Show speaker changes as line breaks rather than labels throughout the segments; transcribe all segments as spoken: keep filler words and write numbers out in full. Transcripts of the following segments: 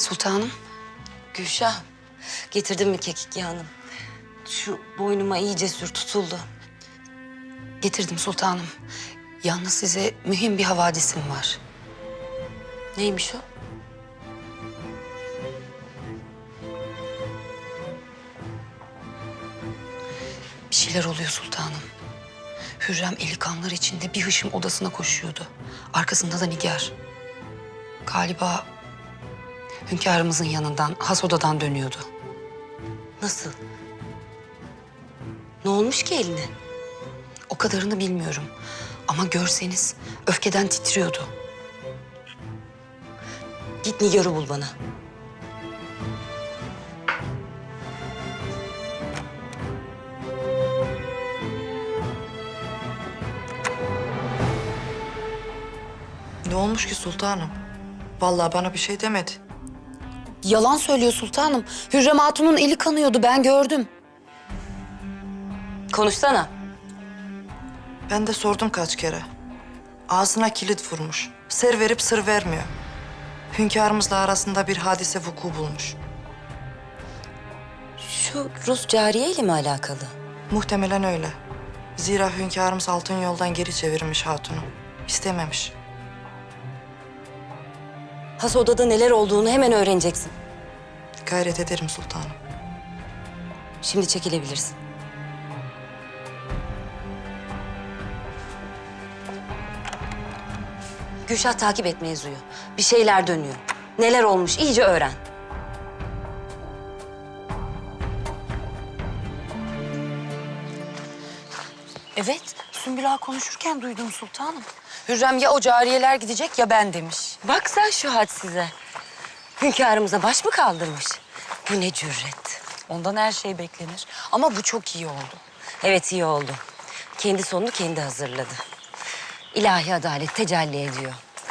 Sultanım.
Gülşah, getirdin mi kekik yağını? Şu boynuma iyice sür, tutuldu.
Getirdim sultanım. Yalnız size mühim bir havadisim var.
Neymiş o?
Bir şeyler oluyor sultanım. Hürrem eli kanlar içinde bir hışım odasına koşuyordu. Arkasında da Nigar. Galiba hünkârımızın yanından, has odadan dönüyordu.
Nasıl? Ne olmuş ki eline?
O kadarını bilmiyorum. Ama görseniz öfkeden titriyordu.
Git Nigar'ı bul bana.
Ne olmuş ki sultanım? Vallahi bana bir şey demedi.
Yalan söylüyor sultanım. Hürrem Hatun'un eli kanıyordu, ben gördüm.
Konuşsana.
Ben de sordum kaç kere. Ağzına kilit vurmuş. Ser verip sır vermiyor. Hünkârımızla arasında bir hadise vuku bulmuş.
Şu Rus cariye ile mi alakalı?
Muhtemelen öyle. Zira hünkârımız altın yoldan geri çevirmiş hatunu. İstememiş.
Has odada neler olduğunu hemen öğreneceksin.
Gayret ederim sultanım.
Şimdi çekilebilirsin. Gülşah takip et mevzuyu. Bir şeyler dönüyor. Neler olmuş iyice öğren.
Evet, Sümbül Ağa konuşurken duydum sultanım. Hürrem ya o cariyeler gidecek ya ben demiş.
Bak sen şu hadsize. Hünkârımıza baş mı kaldırmış? Bu ne cüret.
Ondan her şey beklenir. Ama bu çok iyi oldu.
Evet iyi oldu. Kendi sonunu kendi hazırladı. İlahi adalet tecelli ediyor.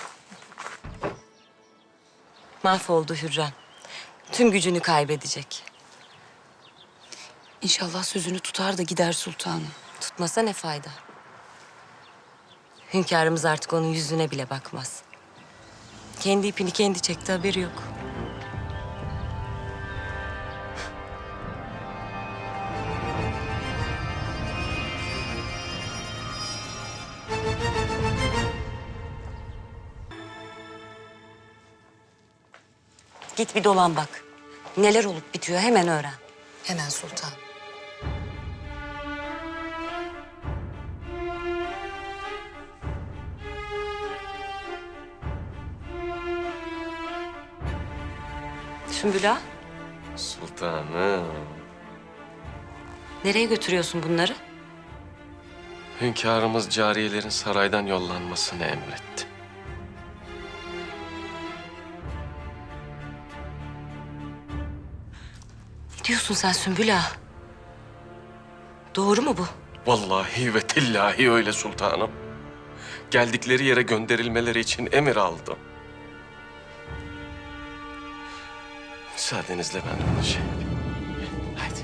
Mahvoldu Hürrem. Tüm gücünü kaybedecek.
İnşallah sözünü tutar da gider sultanım.
Tutmasa ne fayda? Hünkârımız artık onun yüzüne bile bakmaz. Kendi ipini kendi çekti, haberi yok. Git bir dolan bak. Neler olup bitiyor hemen öğren.
Hemen sultan.
Sümbül Ağa,
Sultanım.
nereye götürüyorsun bunları?
Hünkârımız cariyelerin saraydan yollanmasını emretti.
Ne diyorsun sen Sümbül Ağa? Doğru mu bu?
Vallahi ve tillahi öyle sultanım. Geldikleri yere gönderilmeleri için emir aldım. Müsaadenizle ben onu şey yapayım. Haydi.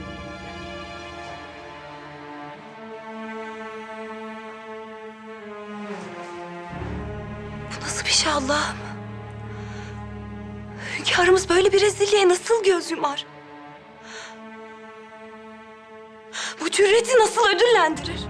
Bu nasıl bir şey Allah'ım? Hünkârımız böyle bir rezilliğe nasıl göz yumar? Bu cüreti nasıl ödüllendirir?